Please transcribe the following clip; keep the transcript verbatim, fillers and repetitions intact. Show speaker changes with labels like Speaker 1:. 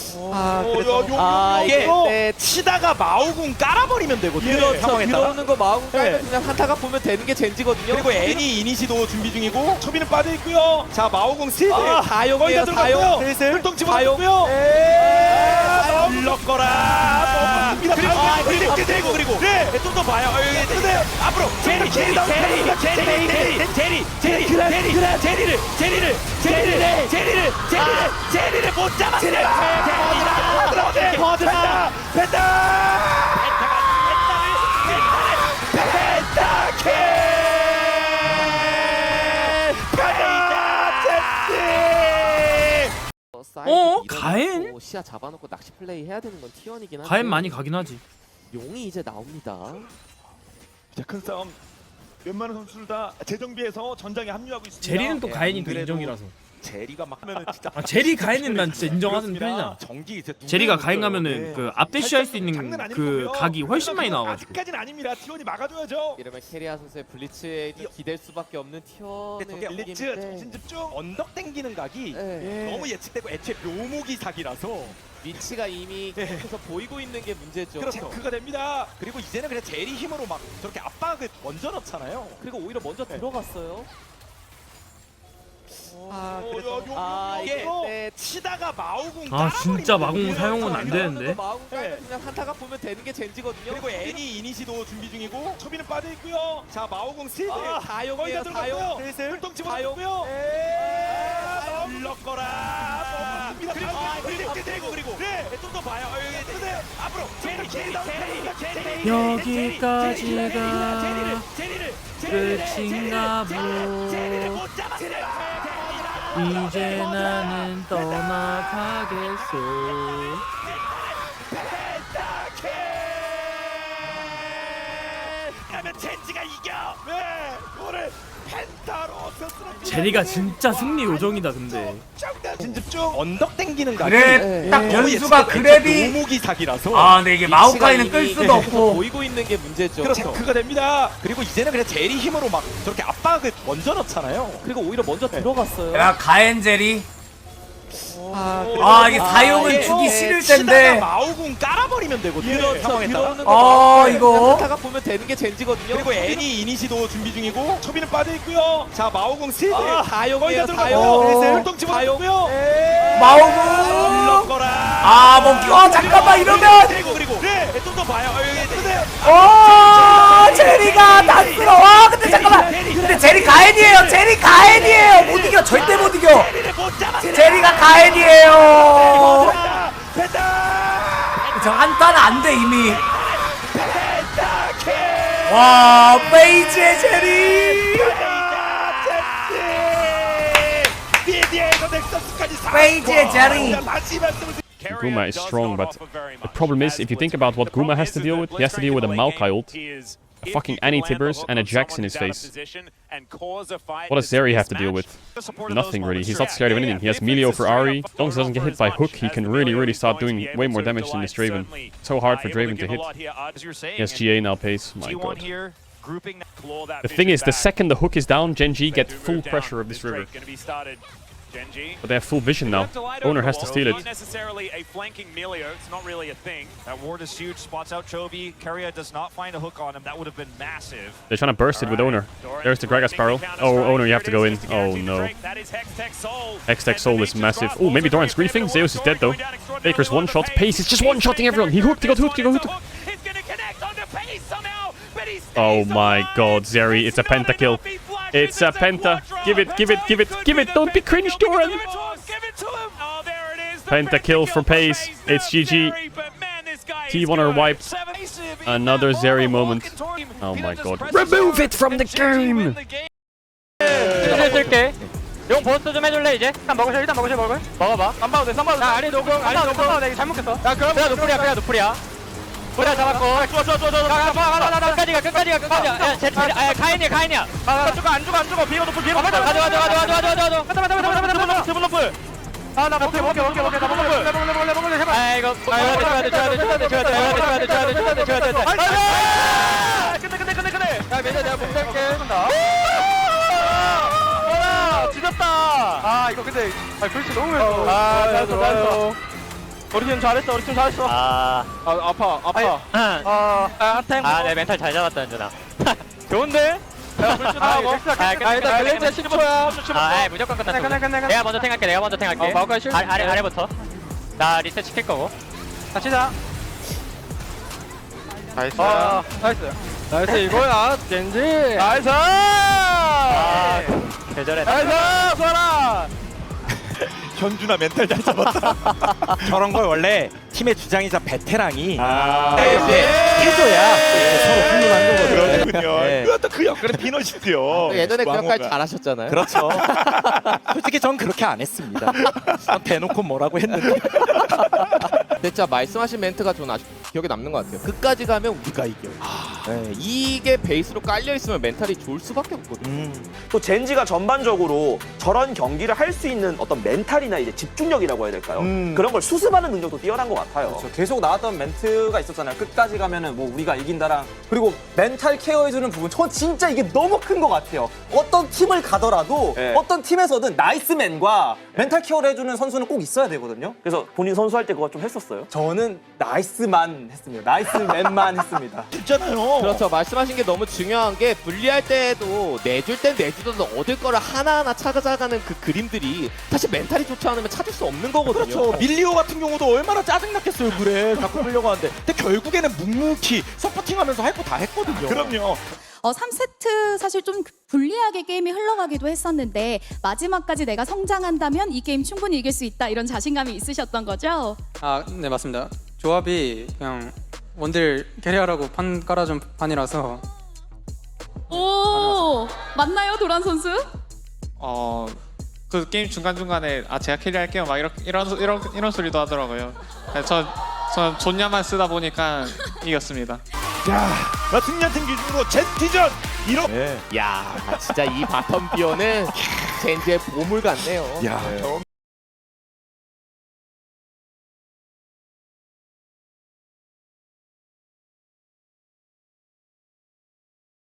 Speaker 1: 아,
Speaker 2: 어,
Speaker 1: 그래서
Speaker 2: 요, 요,
Speaker 1: 아,
Speaker 2: 요,
Speaker 1: 이게
Speaker 2: 요.
Speaker 1: 네, 치다가 마우궁 깔아버리면 되거든요.
Speaker 2: 그렇죠.
Speaker 1: 상황에 따라.
Speaker 3: 들어오는 거 마음 깔면
Speaker 1: 네.
Speaker 3: 그냥 한타가 보면 되는 게 젠지거든요.
Speaker 1: 그리고 애니 이니시도 준비 중이고.
Speaker 2: 초비는 빠져 있고요.
Speaker 1: 자, 마우궁 슬슬
Speaker 3: 아, 다용이에요, 다용.
Speaker 1: 슬슬
Speaker 2: 활동
Speaker 3: 다용.
Speaker 2: 집어넣고요.
Speaker 1: 아, 불렀거라.
Speaker 2: 그리고
Speaker 1: 그리고
Speaker 2: 아,
Speaker 1: 그리고
Speaker 2: 그리고
Speaker 1: 그리고 그리고
Speaker 2: 네.
Speaker 1: 좀 더 봐요. 어, 여기
Speaker 2: 근데
Speaker 1: 앞으로 제리 제리 제리 제리 제리 제리 제리 제리 제리를 제리를 제리를 제리를 제리를 제리를 못 잡았어요.
Speaker 2: 버드나 펜타
Speaker 4: 어? 가엔?
Speaker 3: 시야 잡아놓고 낚시 플레이 해야 되는 건 티원이긴 한데
Speaker 4: 가엔 많이 가긴 하지.
Speaker 3: 용이 이제 나옵니다.
Speaker 2: 자, 큰 싸움. 웬만한 선수들 다 재정비해서 전장에 합류하고 있습니다.
Speaker 4: 제리는 또
Speaker 1: 예,
Speaker 4: 가엔이
Speaker 1: 안
Speaker 4: 또
Speaker 1: 그래도
Speaker 4: 인정이라서.
Speaker 1: 제리가 막 하면은 진짜
Speaker 4: 아 제리 가엔은 난 진짜 인정하는 편이잖아.
Speaker 1: 전기 이제
Speaker 4: 제리가
Speaker 1: 누구나
Speaker 4: 가엔
Speaker 1: 없어요.
Speaker 4: 가면은
Speaker 1: 네.
Speaker 4: 그 앞대쉬 할 수 있는
Speaker 2: 장난 아닐
Speaker 4: 그
Speaker 2: 거고요.
Speaker 4: 각이 훨씬 많이
Speaker 2: 하지만
Speaker 4: 나와가지고.
Speaker 2: 아직까지는 아닙니다. 티원이 막아줘야죠.
Speaker 3: 이러면 캐리아 선수의 블리츠에
Speaker 1: 이어-
Speaker 3: 기댈 수밖에 없는 티원의
Speaker 1: 저게
Speaker 2: 블리츠
Speaker 3: 느낌인데.
Speaker 2: 정신 집중.
Speaker 1: 언덕 땡기는 각이
Speaker 3: 네.
Speaker 1: 너무 예측되고 애초에 묘목이 사기라서
Speaker 3: 위치가 이미 계속해서 보이고 있는 게 문제죠.
Speaker 1: 그렇죠.
Speaker 2: 체크가 됩니다.
Speaker 1: 그리고 이제는 그냥 제리 힘으로 막 저렇게 압박을 먼저 넣잖아요.
Speaker 3: 그리고 오히려 먼저 들어갔어요.
Speaker 1: 아,
Speaker 2: 어,
Speaker 1: 그래서
Speaker 2: 요, 요,
Speaker 3: 아,
Speaker 2: 요,
Speaker 3: 이게
Speaker 2: 요.
Speaker 1: 네, 치다가 마우궁
Speaker 4: 아 진짜 마공
Speaker 1: 되거든요.
Speaker 4: 사용은 안 되는데.
Speaker 3: 마음 깔면
Speaker 1: 네.
Speaker 3: 그냥 한타가 보면 되는 게 젠지거든요.
Speaker 1: 그리고 애니 이니시도 준비 중이고.
Speaker 2: 초비는 빠져 있고요.
Speaker 1: 자, 마우궁 슬슬
Speaker 3: 아, 다용이에요, 다용.
Speaker 1: 슬슬
Speaker 2: 활동 집어넣고요.
Speaker 1: 아, 불렀거라.
Speaker 2: 그리고
Speaker 1: 그리고
Speaker 2: 그리고
Speaker 1: 그리고 그리고 그리고
Speaker 2: 네.
Speaker 1: 좀 더 봐요. 어, 여기
Speaker 2: 근데
Speaker 1: 앞으로 제리 제리 제리 제리
Speaker 4: 여기까지가
Speaker 1: 제리를 제리를
Speaker 4: 끝인가 보.
Speaker 1: 제리를 못 잡았어요.
Speaker 4: 이제 나는 떠나가겠소.
Speaker 2: 그러면 젠지가 이겨. 네. 오늘 펜타로 스스로
Speaker 4: 제리가 진짜 승리 요정이다 근데.
Speaker 2: 정신 집중.
Speaker 1: 언덕 땡기는 각이
Speaker 5: 그래
Speaker 3: 네.
Speaker 5: 딱
Speaker 1: 너무
Speaker 5: 변수가
Speaker 1: 예측되고
Speaker 5: 그랩이
Speaker 1: 묘목이 사기라서
Speaker 5: 아 근데 이게
Speaker 3: 위치가
Speaker 5: 마오카이는 끌
Speaker 3: 이미
Speaker 5: 수도
Speaker 3: 계속해서
Speaker 5: 없고
Speaker 3: 보이고 있는 게 문제죠.
Speaker 1: 그렇죠.
Speaker 2: 체크가 됩니다.
Speaker 1: 그리고 이제는 그냥 제리 힘으로 막 저렇게 압박을 먼저 넣잖아요.
Speaker 3: 그리고 오히려 먼저 들어갔어요.
Speaker 5: 야 가엔젤이
Speaker 3: 아,
Speaker 5: 아 이게
Speaker 3: 아,
Speaker 5: 사용은
Speaker 3: 이게
Speaker 5: 주기
Speaker 3: 네,
Speaker 5: 싫을
Speaker 1: 치다가
Speaker 5: 텐데
Speaker 1: 마우궁 깔아버리면 되거든요.
Speaker 3: 그렇죠.
Speaker 1: 상황에 따라.
Speaker 3: 들어오는 거
Speaker 5: 아,
Speaker 3: 마음 깔면
Speaker 5: 이거.
Speaker 3: 그냥 한타가 보면 되는 게 젠지거든요.
Speaker 1: 그리고 애니 이니시도 준비 중이고.
Speaker 2: 초비는 빠져 있고요.
Speaker 1: 자, 마우궁 슬슬
Speaker 3: 아, 다용이에요,
Speaker 2: 거의 다
Speaker 3: 다용.
Speaker 2: 들어갔고요.
Speaker 5: 어.
Speaker 2: 활동 집어넣고요.
Speaker 5: 마오구
Speaker 1: 불렀거라.
Speaker 5: 아뭐 껴 잠깐만 이러면
Speaker 1: 그리고 그리고
Speaker 2: 네.
Speaker 1: 좀 더 봐요. 어, 여기
Speaker 2: 근데
Speaker 5: 어 제리가 다스러워 근데 잠깐만 근데 제리 가엔이에요 제리 가엔이에요 못 이겨 절대 못 이겨
Speaker 1: 제리를 못 잡았어요.
Speaker 5: 제리가 가엔이에요
Speaker 2: 펜타 펜타
Speaker 5: 저 한타는 안 돼 이미 와 페이지의 제리
Speaker 2: 미디에서 넥서스까지
Speaker 5: 페이지의 제리
Speaker 2: 다시 말씀을
Speaker 6: Guma is strong, but the problem is, if you think about what Guma has to deal with, he has to deal with a Maokai ult, a fucking Annie Tibbers, and a Jax in his face. What does Zeri have to deal with? Nothing really, he's not scared of anything. He has Melio for Ahri, as long as he doesn't get hit by Hook, he can really really start doing way more damage than this Draven. So hard for Draven to hit. He has G A now pace, my god. The thing is, the second the Hook is down, Gen G get full pressure of this river. But they have full vision now. Owner has to steal it.
Speaker 7: Not necessarily a flanking Melio, it's not really a thing. That ward is huge, spots out Chovy. Keria does not find a hook on him, that would have been massive.
Speaker 6: They're trying to burst it with Owner. There's the Gragas Sparrow. Oh, Owner, you have to go in. Oh no. Hextech Soul is massive. Oh, maybe Doran's griefing. Zeus is dead though. Baker's one shot. Pace is just one shotting everyone. He hooked, he got hooked, he got hooked.
Speaker 7: He's gonna connect onto Pace somehow, but he stays
Speaker 6: Oh my
Speaker 7: alive.
Speaker 6: god, Zeri, it's a
Speaker 7: He's not
Speaker 6: pentakill.
Speaker 7: enough, he flashed
Speaker 6: It's
Speaker 7: it,
Speaker 6: a
Speaker 7: it's
Speaker 6: penta.
Speaker 7: quadra.
Speaker 6: Give it, give it, give it, give it. Don't be cringe, Doran.
Speaker 7: Give it to him, give it to him. Oh, there it is. The
Speaker 6: Pentakill for Pace.
Speaker 7: Now
Speaker 6: It's G G.
Speaker 7: Zeri, but man, this guy
Speaker 6: T
Speaker 7: is
Speaker 6: one are
Speaker 7: good.
Speaker 6: wiped.
Speaker 7: Seven- Even
Speaker 6: Another
Speaker 7: that
Speaker 6: Zeri
Speaker 7: ball
Speaker 6: moment.
Speaker 7: walking toward him.
Speaker 6: Oh
Speaker 7: He
Speaker 6: my
Speaker 7: just
Speaker 6: god.
Speaker 7: presses
Speaker 6: Remove
Speaker 7: forward
Speaker 6: it from the
Speaker 7: and G G win
Speaker 6: game!
Speaker 7: the game.
Speaker 8: 슬슬 쓸게. 용 버스트 좀 해줄래 이제? 일단 먹으셔 일단 먹으셔 먹을. 먹어봐. 안 봐도 돼. 안 봐도 돼. 야 아리 노공 아리 노공. 내가 잘못 겠어. 야 그럼 그냥 노플이야 그냥 노플이야. 보라 잡았고. 좋아 좋아 좋아 좋아. 가가 가가 가 끝까지 가 끝까지 가 끝까지. 야 제 제 아 가인이야 가인이야. 안 죽어 안 죽어 안 죽어. 비고 노플 비고. 가자 가자 가자 가자 가자 가자. 가자 가자 가자 가자 가자. 드블 노플. 아나 먹게 먹게 먹게 먹게 나 먹을 먹을 먹을 먹을 해봐. 아 이거 아 줘야 돼 줘야 돼 줘야 돼 줘야 돼 줘야 돼 줘야 돼 줘야 돼 줘야 돼 줘야 돼. 아 근데 근데 근데 근데. 야 매자 내가 공 잡게. 와 지졌다. 아 이거 근데 아 글씨 너무 아 잘했어 잘했어. 우리 팀 잘했어 우리 팀 잘했어 아, 아 아파 아파 아아탱 아내 멘탈 잘 잡았다 현준아 좋은데? 야 불준하고 아 일단 글렌즈 십 초야 아 무조건 끝났어 끝내 끝내 내가 먼저 탱할게 내가 먼저 탱할게 어 마우카이 실 아래 아래부터 나 리셋 시킬 거고 같이 자 나이스 아 나이스 나이스 이거야 젠지 나이스 아 계절에 나이스 소라
Speaker 2: 현준아 멘탈 잘 잡았다.
Speaker 1: 저런 걸 원래 팀의 주장이자 베테랑이
Speaker 2: 아,
Speaker 1: 해줘야 서로 훌륭한 거거든요.
Speaker 2: 그렇군요.
Speaker 1: 네.
Speaker 2: 그것도 그 역할의 피넛이지요.
Speaker 3: 예전에 그 역할
Speaker 2: 왕호가.
Speaker 3: 잘하셨잖아요.
Speaker 1: 그렇죠. 솔직히 전 그렇게 안 했습니다. 전 대놓고 뭐라고 했는데.
Speaker 3: 진짜 말씀하신 멘트가 저는 아주 기억에 남는 것 같아요. 끝까지 가면 우리가 이겨. 네, 이게 베이스로 깔려 있으면 멘탈이 좋을 수밖에 없거든요.
Speaker 1: 음.
Speaker 9: 또 젠지가 전반적으로 저런 경기를 할 수 있는 어떤 멘탈이나 이제 집중력이라고 해야 될까요?
Speaker 1: 음.
Speaker 9: 그런 걸 수습하는 능력도 뛰어난 것 같아요.
Speaker 10: 그렇죠. 계속 나왔던 멘트가 있었잖아요. 끝까지 가면은 뭐 우리가 이긴다랑 그리고 멘탈 케어해주는 부분 전 진짜 이게 너무 큰 것 같아요. 어떤 팀을 가더라도
Speaker 9: 네.
Speaker 10: 어떤 팀에서든 나이스맨과 멘탈 케어를 해주는 선수는 꼭 있어야 되거든요.
Speaker 9: 그래서 본인 선수할 때 그거 좀 했었어요?
Speaker 10: 저는 나이스만 했습니다. 나이스맨만 했습니다.
Speaker 2: 진짜나요?
Speaker 3: 그렇죠. 말씀하신 게 너무 중요한 게 분리할 때도 내줄 땐 내주더라도 얻을 거를 하나하나 찾아가는 그 그림들이 사실 멘탈이 좋지 않으면 찾을 수 없는 거거든요.
Speaker 1: 그렇죠. 밀리오 같은 경우도 얼마나 짜증났겠어요. 그래 자꾸 끌려고 하는데. 근데 결국에는 묵묵히 서포팅하면서 할 거 다 했거든요.
Speaker 2: 그럼요.
Speaker 11: 어, 삼 세트 사실 좀 불리하게 게임이 흘러가기도 했었는데 마지막까지 내가 성장한다면 이 게임 충분히 이길 수 있다 이런 자신감이 있으셨던 거죠?
Speaker 12: 아, 네 맞습니다. 조합이 그냥 원딜 캐리어라고 판 깔아준 판이라서
Speaker 11: 오 맞나요 도란 선수?
Speaker 12: 어, 그 게임 중간 중간에 아 제가 캐리할게요 막 이런 이런 이런 이런 소리도 하더라고요. 저 저 존냐만 쓰다 보니까 이겼습니다.
Speaker 2: 자, 나 승리한팀 기준으로 젠티전 이렇게.
Speaker 3: 야 진짜 이 바텀 비어는 젠지의 보물 같네요.
Speaker 2: 야,